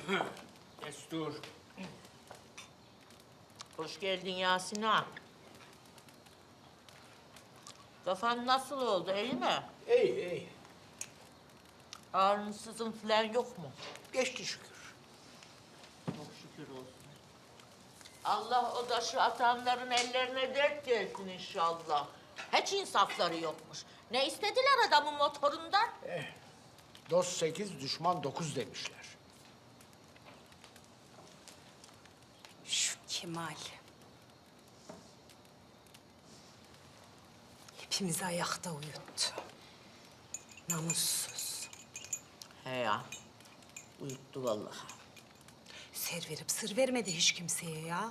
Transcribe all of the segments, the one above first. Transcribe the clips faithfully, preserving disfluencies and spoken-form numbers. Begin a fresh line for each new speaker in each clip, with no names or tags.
Destur.
Hoş geldin Yasin ağa. Kafan nasıl oldu, iyi mi?
İyi, iyi.
Ağrınsızın falan yok mu?
Geçti şükür.
Çok şükür olsun. Allah o taşı atanların ellerine dert gelsin inşallah. Hiç insafları yokmuş. Ne istediler adamın motorundan?
Dost sekiz, düşman dokuz demişler.
Şu Kemal. Hepimizi ayakta uyuttu. Namussuz.
He ya, uyuttu vallahi.
Ser verip sır vermedi hiç kimseye ya.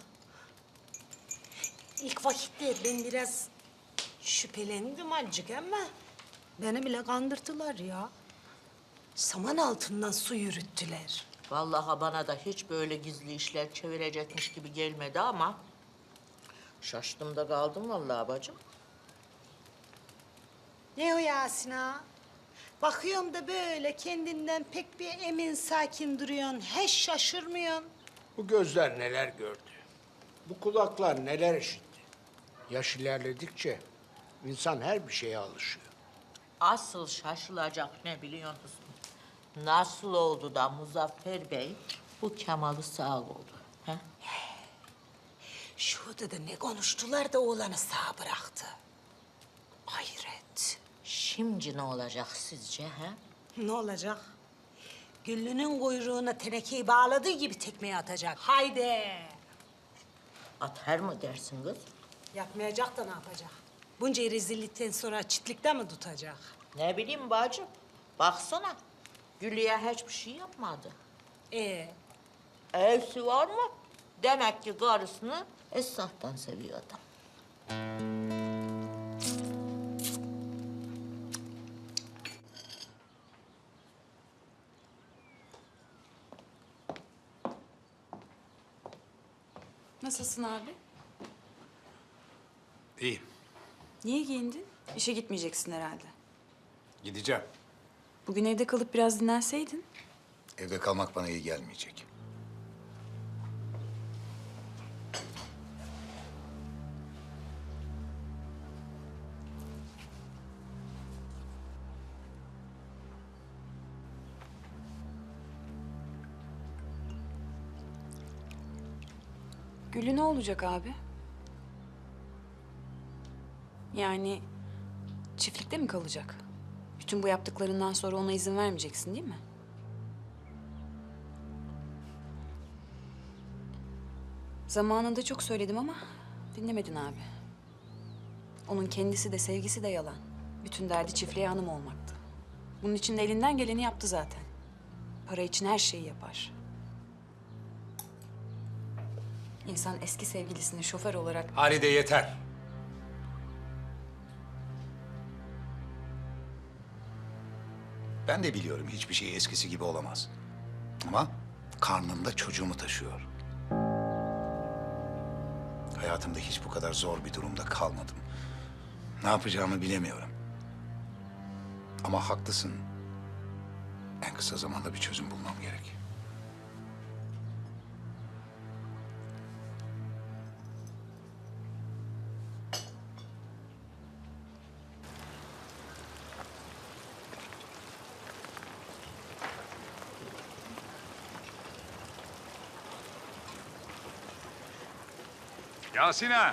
İlk vakitte ben biraz şüphelendim azıcık ama beni bile kandırdılar ya. Saman altından su yürüttüler.
Vallahi bana da hiç böyle gizli işler çevirecekmiş gibi gelmedi ama... ...şaştım da kaldım vallahi bacım.
Ne o Yasin ağa? Bakıyorum da böyle kendinden pek bir emin sakin duruyorsun. Hiç şaşırmıyorsun.
Bu gözler neler gördü. Bu kulaklar neler işitti. Yaş ilerledikçe insan her bir şeye alışıyor.
Asıl şaşılacak ne biliyor musun? Nasıl oldu da Muzaffer Bey bu Kemal'i sağ oldu? He?
Şu odada ne konuştular da oğlanı sağ bıraktı. Hayret.
Şimdi ne olacak sizce? He?
Ne olacak? Güllü'nün kuyruğuna tenekeyi bağladığı gibi tekmeyi atacak. Haydi.
Atar mı dersin kız?
Yapmayacak da ne yapacak? Bunca rezillikten sonra çitlikte mi tutacak?
Ne bileyim bacım. Baksana. Güllü'ye hiçbir şey yapmadı.
Ee,
Evsi var mı? Demek ki karısını esnaftan seviyor adam.
Nasılsın abi?
İyi.
Niye giyindin? İşe gitmeyeceksin herhalde.
Gideceğim.
Bugün evde kalıp biraz dinlenseydin.
Evde kalmak bana iyi gelmeyecek.
Gülü ne olacak abi? Yani çiftlikte mi kalacak? Bütün bu yaptıklarından sonra ona izin vermeyeceksin değil mi? Zamanında çok söyledim ama dinlemedin abi. Onun kendisi de sevgisi de yalan. Bütün derdi çiftliğe hanım olmaktı. Bunun için de elinden geleni yaptı zaten. Para için her şeyi yapar. İnsan eski sevgilisini şoför olarak...
Halide yeter. Ben de biliyorum hiçbir şey eskisi gibi olamaz. Ama karnımda çocuğumu taşıyor. Hayatımda hiç bu kadar zor bir durumda kalmadım. Ne yapacağımı bilemiyorum. Ama haklısın. En kısa zamanda bir çözüm bulmam gerek.
Yasin'a.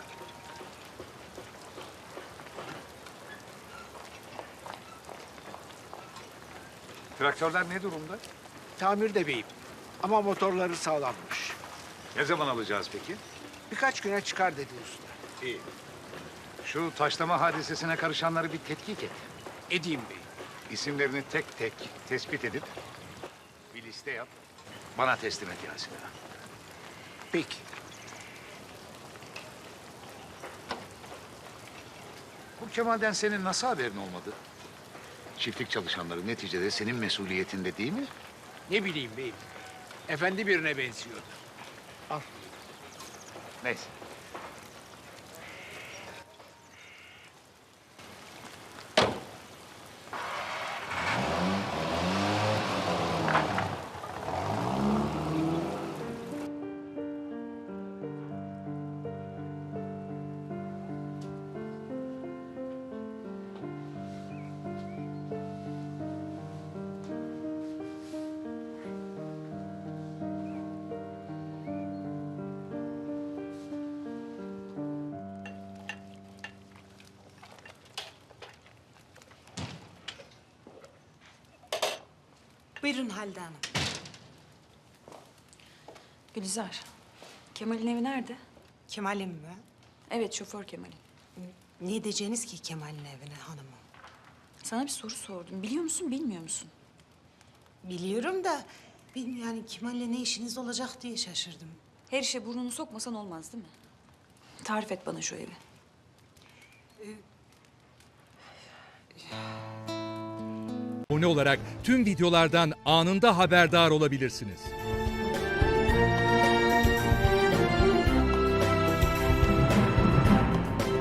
Traktörler ne durumda?
Tamirde beyim. Ama motorları sağlammış.
Ne zaman alacağız peki?
Birkaç güne çıkar dedi usta.
İyi. Şu taşlama hadisesine karışanları bir tetkik et.
Edeyim bey.
İsimlerini tek tek tespit edip bir liste yap. Bana teslim et Yasin'a.
Peki.
Bu Kemal'den senin nasıl haberin olmadı? Çiftlik çalışanları neticede senin mesuliyetinde değil mi?
Ne bileyim beyim. Efendi birine benziyordu. Al.
Neyse.
Buyurun Halide Hanım.
Gülizar, Kemal'in evi nerede?
Kemal'im mi?
Evet, şoför Kemal'in.
Ne edeceğiniz ki Kemal'in evine hanımım?
Sana bir soru sordum. Biliyor musun, bilmiyor musun?
Biliyorum da benim yani Kemal'le ne işiniz olacak diye şaşırdım.
Her işe burnunu sokmasan olmaz değil mi? Tarif et bana şu evi.
Abone olarak tüm videolardan anında haberdar olabilirsiniz.